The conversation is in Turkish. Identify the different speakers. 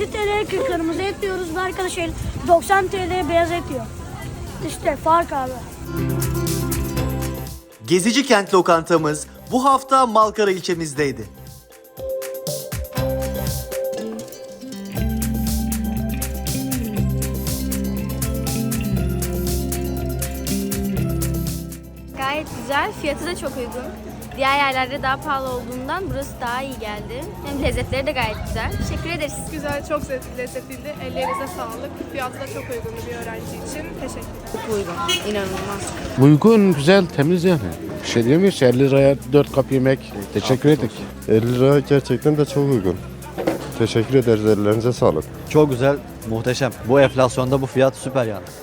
Speaker 1: 50 TL'ye kırmızı et diyoruz ve arkadaş 90 TL'ye beyaz et yiyor. İşte fark abi.
Speaker 2: Gezici Kent lokantamız bu hafta Malkara ilçemizdeydi.
Speaker 3: Gayet güzel, fiyatı da çok uygun. Diğer yerlerde daha pahalı olduğundan burası daha iyi geldi. Hem lezzetleri de gayet güzel. Teşekkür ederiz.
Speaker 4: Güzel, çok lezzetliydi. Ellerinize sağlık. Fiyatı da çok uygundu bir öğrenci için. Teşekkürler.
Speaker 3: Çok uygun, inanılmaz.
Speaker 5: Uygun, güzel, temiz yani. Bir şey diyemiyoruz. 50 liraya 4 kap yemek. Teşekkür ettik.
Speaker 6: 50 lira gerçekten de çok uygun. Teşekkür ederiz, ellerinize sağlık.
Speaker 7: Çok güzel, muhteşem. Bu enflasyonda bu fiyat süper yani.